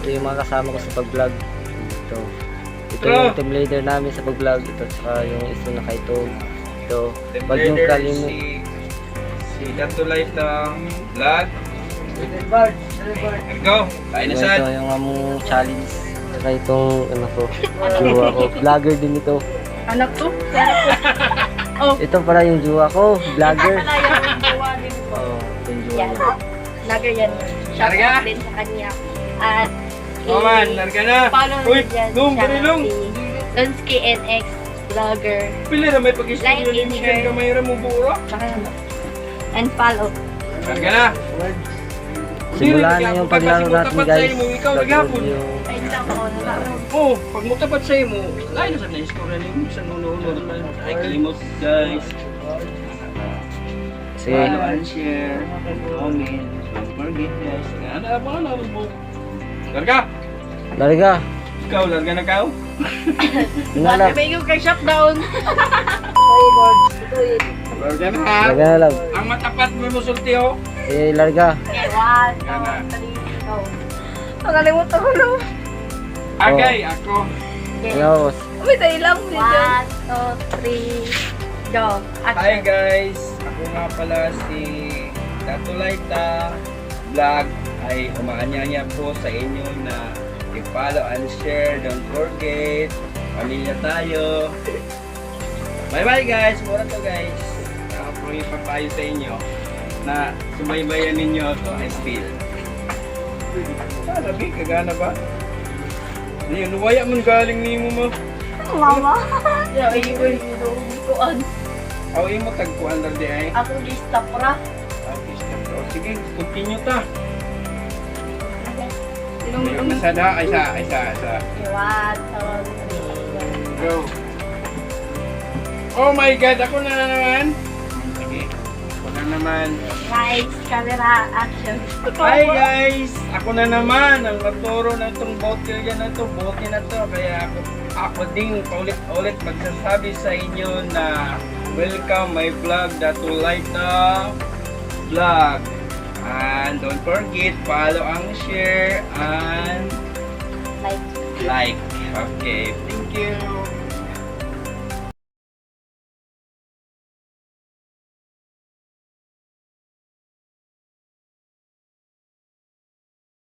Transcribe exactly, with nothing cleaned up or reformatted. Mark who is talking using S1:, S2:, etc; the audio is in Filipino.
S1: ito yung mga kasama ko sa pag-vlog. Ito. Ito yung team leader namin sa pag-vlog. Ito saka yung isa na kaito. Ito. Wag yung kalimut.
S2: Si, si Datulay ng vlog. Let's go. Kain na sad.
S1: Ito yung among challenge. Saka itong ano ko. Jowa ko. Vlogger din ito.
S3: Anak to? Anak ko. Oh.
S1: Ito pala yung jowa ko. Vlogger.
S3: Ito pala yung jowa din ko.
S1: Oo. Ito yung jowa
S3: Yan.
S1: ko.
S3: Vlogger yan. Shout
S2: Larga.
S3: out din sa kanya. At
S2: Oh man, larga na.
S3: follow
S2: Uy,
S3: nyo dyan
S2: Lung,
S3: siya,
S2: dali Lung.
S3: si Lonsky N X Vlogger.
S2: Pili na may pag-istorya
S3: Like
S2: ni
S3: and
S2: Miguel
S3: share.
S2: Gamayra mo buo.
S3: And follow.
S2: Larga na.
S1: Simula na yung paglaro natin guys.
S2: Ikaw naghapon.
S1: Yung
S3: Ay, tama ko na lang.
S2: Oh, pag mutapat sa imo, lain na sa na istorya ni Miguel sa nuno naman. Ay kalimot guys.
S1: Sige.
S2: Follow and share, comment, don't forget guys. Ano ba na mo? Larga.
S1: Larga.
S2: Ikaw larga na ka.
S1: Nalap.
S3: Sabi ko kay shutdown.
S2: Larga na.
S1: Larga na lang.
S2: Ang matapat mo musulti oh.
S1: Eh, larga.
S3: Okay, one, two, three, go. Nakalimutan ko lang.
S2: Agay ako.
S1: Ikaw.
S3: Uy, tayo lang. One, two, three, go.
S2: Hi
S3: Action.
S2: guys, ako nga pala si Datulaita Vlog ay umaanyanya po sa inyo na i-follow and share, don't forget, pamilya tayo. Bye bye guys, mura to guys. Ako po yung papayo sa inyo na sumaybayan ninyo ako ay spill. Ah, labi, kagana ba? Hindi, nuwaya mo galing ni mo mo.
S3: Mama. Yeah, ay, ay, ay,
S2: Aw, imo tagpuan lang di ay.
S3: Ako lista pra.
S2: Okay, stop. Oh, sige, continue ta.
S3: Sinong
S2: Ayun, isa na, isa, isa, isa.
S3: One, two, three, go.
S2: Go. Oh my God, ako na naman. Sige, ako na naman.
S3: Lights, camera, action.
S2: Hi guys, ako na naman ang nagturo na itong bottle yan na ito, bote na to. Kaya ako, ako din paulit-ulit magsasabi sa inyo na welcome my vlog, Datulaita Vlog. And don't forget, follow and share and
S3: Like.
S2: like. Okay, thank you.